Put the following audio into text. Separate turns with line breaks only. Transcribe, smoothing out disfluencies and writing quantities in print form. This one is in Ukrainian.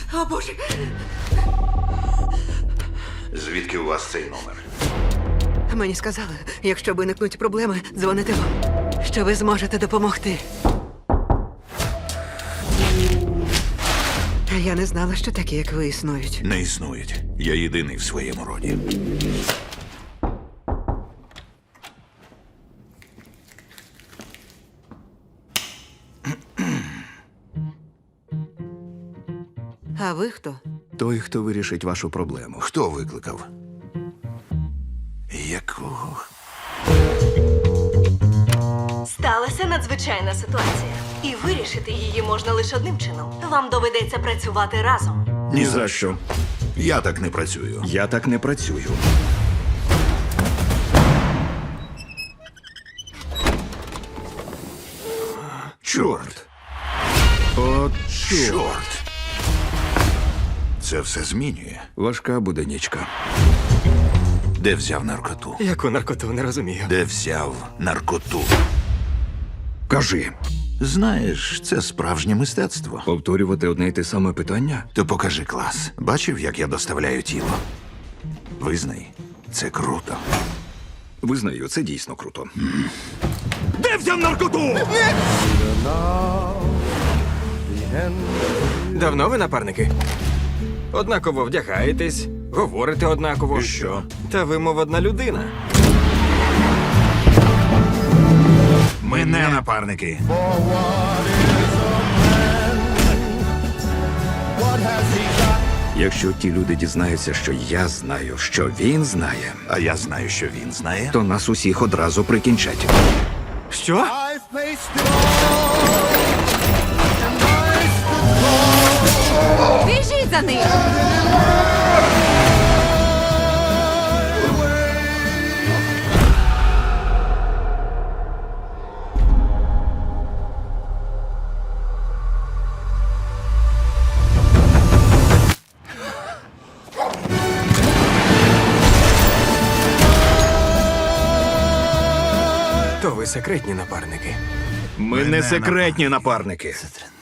О, Боже!
Звідки у вас цей номер?
Мені сказали, якщо виникнуть проблеми, дзвоните вам, що ви зможете допомогти. Та я не знала, що такі, як ви, існують.
Не існують. Я єдиний в своєму роді.
А ви хто?
Той, хто вирішить вашу проблему.
Хто викликав? Якого?
Сталася надзвичайна ситуація. І вирішити її можна лише одним чином. Вам доведеться працювати разом.
Ні за що.
Я так не працюю.
Я так не працюю.
Чорт!
От
Чорт! Це все змінює.
важка буде нічка.
Де взяв наркоту?
Яку наркоту, не розумію.
Де взяв наркоту?
Кажи,
Знаєш, це справжнє мистецтво.
повторювати одне й те саме питання?
То покажи клас. Бачив, як я доставляю тіло? Визнай, це круто.
Визнаю, це дійсно круто. Де взяв наркоту?
Давно ви напарники? Однаково вдягаєтесь, говорите однаково.
І що?
Та ви, мов одна людина.
Ми не напарники.
Якщо ті люди дізнаються, що я знаю, що він знає,
А я знаю, що він знає.
то нас усіх одразу прикінчать.
Що?
Біжіть за ним!
То ви секретні напарники.
Ми не секретні напарники.
Це